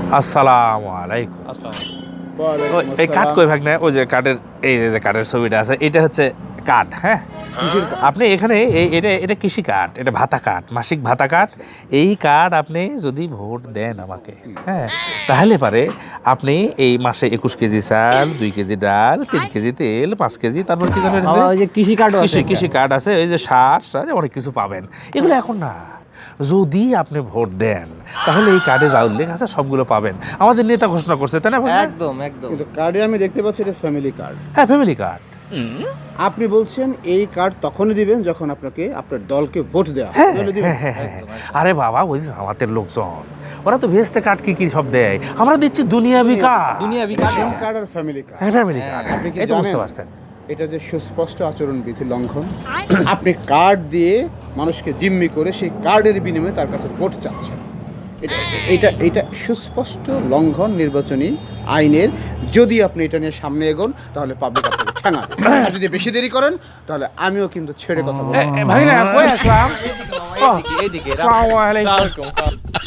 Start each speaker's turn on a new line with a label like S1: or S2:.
S1: আসসালামু আলাইকুম। এই কাঠ কই ভাগ না, ওই যে কাঠের, এই যে কাঠের ছবিটা আছে, এটা হচ্ছে কাঠ। হ্যাঁ, আপনি এখানে এটা এটা কৃষি কাঠ, এটা ভাতা কাঠ, মাসিক ভাতা কাঠ। এই কাঠ আপনি যদি ভোট দেন আমাকে, হ্যাঁ, তাহলে পারে আপনি এই মাসে 21 কেজি চাল, 2 কেজি ডাল, 3 কেজি তেল, 5 কেজি, তারপর কি জানেন,
S2: ওই যে কৃষি কার্ড
S1: কৃষি কার্ড আছে, ওই যে সার অনেক কিছু পাবেন। এগুলো এখন না, যদি আপনি ভোট দেন তাহলে এই কার্ডে যা উল্লেখ আছে সবগুলো পাবেন। আমাদের নেতা ঘোষণা করছে, তাই না ভাই?
S2: একদম একদম।
S3: কিন্তু কার্ডে আমি দেখতে পাচ্ছি এটা ফ্যামিলি কার্ড।
S1: হ্যাঁ, ফ্যামিলি কার্ড।
S3: আপনি বলছেন এই কার্ড তখনই দিবেন যখন আপনাকে আপনার দলকে ভোট দেওয়া হবে।
S1: হ্যাঁ
S3: তাহলে দিবেন।
S1: হ্যাঁ হ্যাঁ হ্যাঁ। আরে বাবা, ওই যে আমাদের লোকজন, ওরা তো ভেস্তে কার্ড কি কি সব দেয়, আমরা দিচ্ছি দুনিয়াবি কার্ড।
S2: দুনিয়াবি
S3: সিম কার্ড আর ফ্যামিলি কার্ড।
S1: হ্যাঁ, ফ্যামিলি কার্ড।
S3: আপনি কি
S1: এই তো বুঝতে
S3: জানেন?
S1: পারছেন।
S3: এটা যে সুস্পষ্ট আচরণবিধি লঙ্ঘন। আপনি কার্ড দিয়ে মানুষকে জিম্মি করে সেই কার্ডের বিনিময়ে তার কাছে ভোট চাচ্ছেন। এটা সুস্পষ্ট লঙ্ঘন নির্বাচনী আইনের। যদি আপনি এটা নিয়ে সামনে এগোন তাহলে পাবলিক আপনাকে ঠেঙাবে। আর যদি বেশি দেরি করেন তাহলে আমিও কিন্তু ছেড়ে কথা বলবো।
S1: ভাই না, কই আসলাম?
S2: এইদিকে
S1: আসসালামু আলাইকুম।